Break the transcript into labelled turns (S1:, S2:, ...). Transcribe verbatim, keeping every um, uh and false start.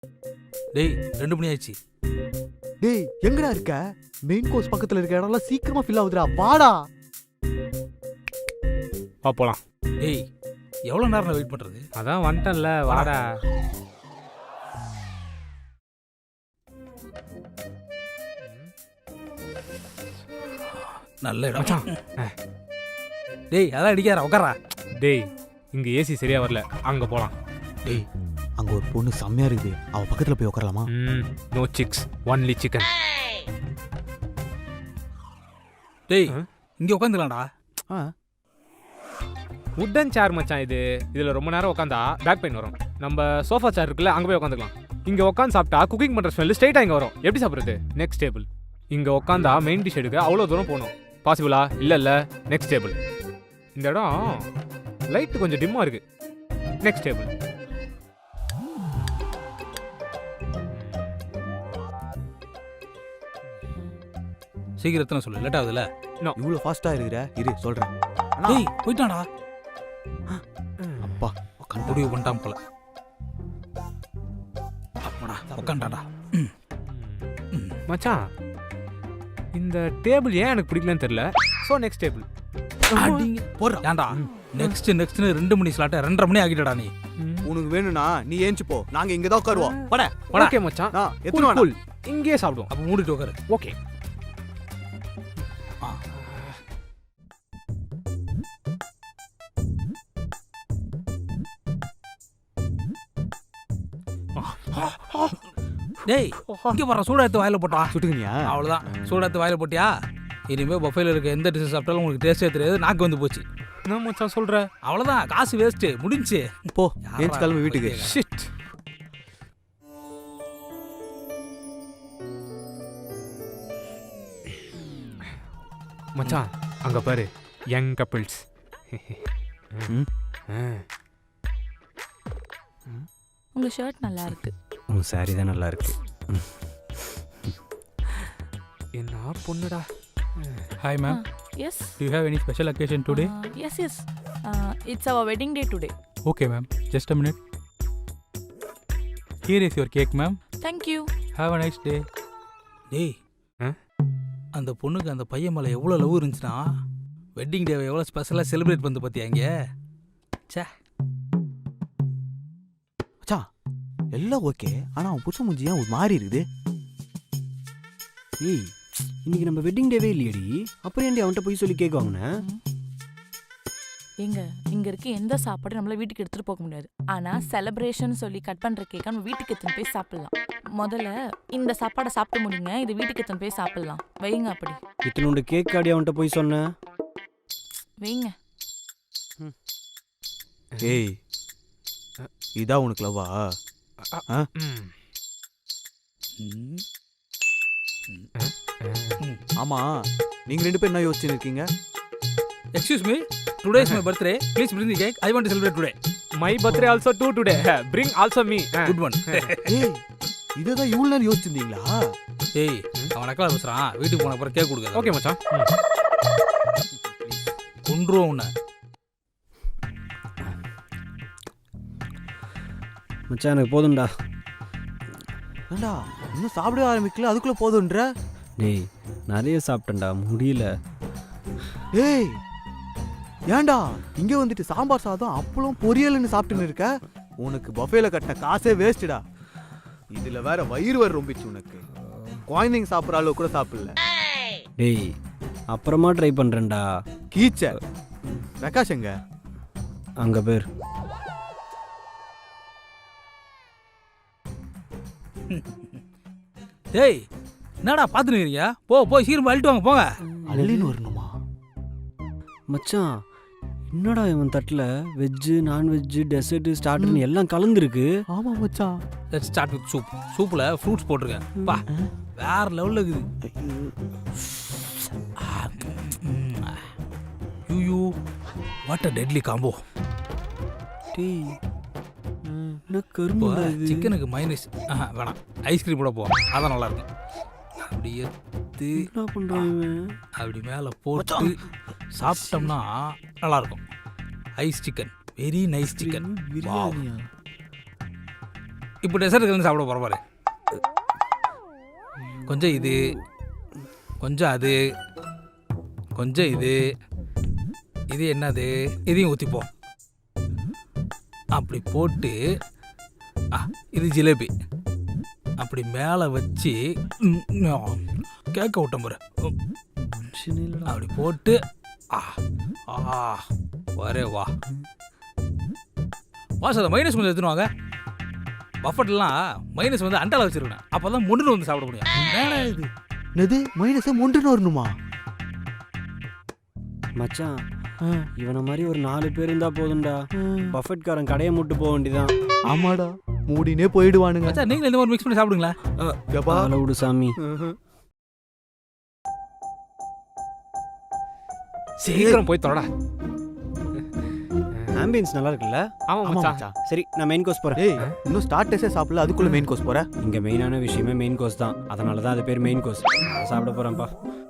S1: டேய் ரெண்டு மணி ஆயிடுச்சு.
S2: டேய் எங்கடா இருக்க? மெயின் கோர்ஸ் பக்கத்துல இருக்க இடம்லாம் சீக்கிரமா ஃபில் ஆகுதுடா, வாடா.
S3: வா போலாம்.
S1: டேய் எவ்வளோ நேரம் வெயிட் பண்ணுறது?
S3: அதான் வந்துட்டேன்ல, வாடா.
S1: நல்ல இடம்.
S3: மச்சான்.
S1: டேய் அதான் அடிக்காரா, உட்காரா.
S3: டேய் இங்க ஏசி சரியா வரல, அங்க போலாம்.
S2: டேய் அங்க ஒரு பொண்ணு செம்மையா இருக்குது, அவ பக்கத்துல போய் உட்காரலாமா?
S3: ம் நோ சிக்ஸ், ஒன்லி சிக்கன்.
S1: டேய் இங்கே உட்காந்துக்கலாம்டா.
S2: ஆ
S3: உட்டன் சேர் மச்சான் இது. இதுல ரொம்ப நேரம் உட்காந்தா பேக் பெயின் வரும். நம்ம சோஃபா சேர் இருக்குல்ல, அங்க போய் உட்காந்துக்கலாம். இங்க உட்காந்து சாப்பிட்டா குக்கிங் பண்ற ஸ்மெல் ஸ்ட்ரைட்டா இங்க வரும். எப்படி சாப்பிடுறது? Next table. இங்க உட்காந்தா மெயின் டிஷ் எடுக்க அவ்வளோ தூரம் போகணும். பாசிபிளா? இல்ல இல்ல. Next table. இந்த இடம் லைட் கொஞ்சம் டிம்மா இருக்கு. Next table.
S1: சீக்கிரத்தில் சொல்லு, லேட் ஆகுதுல்ல.
S2: இவ்வளவு ஃபாஸ்டா இருக்கிற, இரு சொல்றேன்.
S1: டேய் போயிட்டான்டா.
S2: அப்பா
S1: முடிவு பண்ணிட்டான் போல. அப்படா உட்காண்டாடா.
S3: மச்சான் இந்த டேபிள் ஏன் எனக்கு பிடிக்கலன்னு தெரியல. So next table.
S1: ஏன்டா நெக்ஸ்ட் நெக்ஸ்ட்னு ரெண்டு மணி ஸ்லாட்ட ரெண்டரை மணி ஆகிட்டடா நீ.
S2: உனக்கு வேணும்னா நீ ஏஞ்சி போ, நாங்க இங்க தான் உட்காருவோம். பட
S3: ஓகே மச்சான்,
S2: நான் எத்தனை
S3: கூல் இங்கேயே சாப்பிடுவோம்.
S1: அப்போ மூடிட்டு உட்காரு.
S3: ஓகே.
S1: டேய் இங்கே போற, சூடா எடுத்து வாயில போட்டா.
S2: சுட்டுக்கினியா?
S1: அவ்வளோதான், சூடா எடுத்து வாயில போட்டியா? இனிமேல் பஃபேல இருக்க எந்த டிஷ் சாப்பிட்டாலும் உங்களுக்கு டேஸ்டே தெரியாது, நாக்கு வந்து போச்சு.
S3: என்ன மச்சான் சொல்ற?
S1: அவ்வளோதான், காசு வேஸ்ட்டு, முடிஞ்சு.
S2: போ ஏஞ்சி கிளம்பி வீட்டுக்கு.
S3: ஷிட். மச்சான் அங்க பாரு, யங் கப்பிள்ஸ்.
S4: உங்க ஷர்ட் நல்லா இருக்கு.
S2: உன் சாரி தான் நல்லா இருக்கு.
S3: என்ன பொண்ணுடா.
S1: Hi ma'am.
S4: Uh, yes.
S1: Do you have any special occasion today?
S4: Uh, yes, yes. Uh, it's our wedding day today.
S1: Okay ma'am. Just a minute. Here is your cake ma'am.
S4: Thank you.
S1: Have a nice day. டேய் அந்த பொண்ணுக்கு அந்த பையன் மேலே எவ்வளோ love இருந்துச்சுன்னா wedding டேவை எவ்வளோ ஸ்பெஷலாக செலிப்ரேட் பண்ணது பார்த்தியா இங்கே. சே
S2: மச்சான் எல்லாம் ஓகே, ஆனா அவன் புருஷன் மூஞ்சி ஏன் ஒரு மாதிரி இருக்குது?
S5: ஏய் இன்னைக்கு நம்ம வெட்டிங் டேவே இல்லையடி, அப்புறம் ஏன்டி அவன்கிட்ட போய் சொல்லி கேக் வாங்கினேன்?
S4: எங்க இங்க இருக்க எந்த சாப்பாடும் நம்மள வீட்டுக்கு எடுத்துட்டு போக முடியாது. ஆனா செலிப்ரேஷன் சொல்லி கட் பண்ற கேக்க நம்ம வீட்டுக்கு எடுத்துன்னு போய் சாப்பிடலாம். முதல்ல இந்த சாப்பாடை சாப்பிட்டு முடிங்க, இது வீட்டுக்கு எடுத்துன்னு போய் சாப்பிடலாம். வைங்க அப்படி.
S5: இத்தனோட கேக் காடி அவன்கிட்ட போய் சொன்னேன்.
S4: வைங்க.
S2: ஏய் இதா உனக்கு லவ்வா? ஆமா நீங்க ரெண்டு பேரும் என்ன யோசிச்சுன்னு இருக்கீங்க?
S1: Excuse me, today is my birthday, please bring the cake, I want to celebrate today.
S3: My birthday also too today, bring also me.
S1: Good one.
S2: ஏய் இததான் இவ்வளவு நேரம் யோசிச்சிருந்தீங்களா?
S1: ஏய் அவன் நக்கலா பேசுறான், வீட்டுக்கு போன அப்புறம் கேக் கொடுக்க.
S3: ஓகே மச்சான்.
S1: கொன்றுவோம் உன்னை.
S5: மச்சான் எனக்கு போதும்டா.
S2: ஏண்டா இன்னும் சாப்பிட ஆரம்பிக்கல, அதுக்குள்ள போதுன்ற?
S5: டேய் நிறைய சாப்பிட்டேன்டா, முடியல.
S2: ஏய் ஏண்டா இங்க வந்துட்டு சாம்பார் சாதம் அப்பளம் பொரியல்னு சாப்பிட்டுன்னு இருக்க? உனக்கு பஃபேல கட்டின காசே வேஸ்ட்டுடா. இதுல வேற வயிறு வர ரொம்பிச்சு உனக்கு. குழந்தைங்க சாப்பிட்ற அளவு கூட சாப்பிடல.
S5: டேய் அப்புறமா ட்ரை பண்றேன்டா.
S2: கீச்ச பிரகாஷ் எங்க?
S5: அங்க பேர்.
S1: டேய் என்னடா பார்த்துன்னு இருக்கீங்க? போ போய் சீக்கிரம் அழிட்டு வாங்க போங்க.
S2: அள்ளின்னு வரணுமா?
S5: மச்சான் என்னடா இவன் தட்டில் வெஜ்ஜு நான்வெஜ்ஜு டெசர்ட்டு ஸ்டார்டர்னு எல்லாம் கலந்துருக்கு.
S2: ஆமா மச்சான்.
S1: Let's start with soup. சூப்பில் ஃப்ரூட்ஸ் போட்டிருக்கேன். பா வேற லெவலில் இருக்குது. You what a deadly combo.
S5: டேய் என்ன கரும்புடா இது.
S1: சிக்கனுக்கு மைனஸ் வேணாம், ஐஸ்கிரீம் கூட போவோம், அதான் நல்லா இருக்கும். அப்படி எடுத்து
S5: என்ன பண்றான் இவன்?
S1: அப்படி மேலே போட்டு சாப்பிட்டோம்னா நல்லா இருக்கும். Ice chicken, very nice chicken.
S5: பிரியாணியா?
S1: இப்போ டெசர்ட் வந்து சாப்பிட போகிற பாரு. கொஞ்சம் இது, கொஞ்சம் அது, கொஞ்சம் இது, இது என்னது, இதையும் ஊற்றிப்போம். அப்படி போட்டு ஆ இது ஜிலேபி அப்படி மேலே வச்சு கேட்க விட்டோம் பாரு. அப்படி போட்டு ஆ ஆ வரே வா வா சார். மைனஸ் கொஞ்சம் எடுத்துன்னு வாங்க. பஃபட்லாம் மைனஸ் வந்து அண்டால வச்சிருக்கேன், அப்போ தான் முன்னு வந்து சாப்பிட முடியும். வேணா இது
S2: என்னது மைனஸை முண்டுன்னு வரணுமா?
S5: மச்சான் இவனை மாதிரி ஒரு நாலு பேர் இருந்தா போதும்டா. பஃபெட்காரன் கடையை முட்டு போக வேண்டியதான்.
S2: ஆமாடா, மூடினே போயிடுவானுங்க.
S1: மச்சான் நீங்களும் இந்த மாதிரி மிக்ஸ் பண்ணி சாப்பிடுங்களா?
S2: எப்பா
S5: ஆள விடு சாமி.
S3: சீக்கிரம் போய் தொடடா.
S5: ஆம்பியன்ஸ் நல்லா இருக்குல்ல?
S3: ஆமா
S2: ஆமா
S3: மச்சான்.
S2: மச்சான்.
S5: சரி நான் மெயின் கோர்ஸ் போறேன்.
S2: ஏய் இன்னும் ஸ்டார்டர்ஸே சாப்பிடல, அதுக்குள்ள மெயின் கோர்ஸ் போற?
S5: இங்க மெயினான விஷயமே மெயின் கோர்ஸ் தான். அதனால தான் அது பேர் மெயின் கோர்ஸ். சாப்பிட போறேன்ப்பா.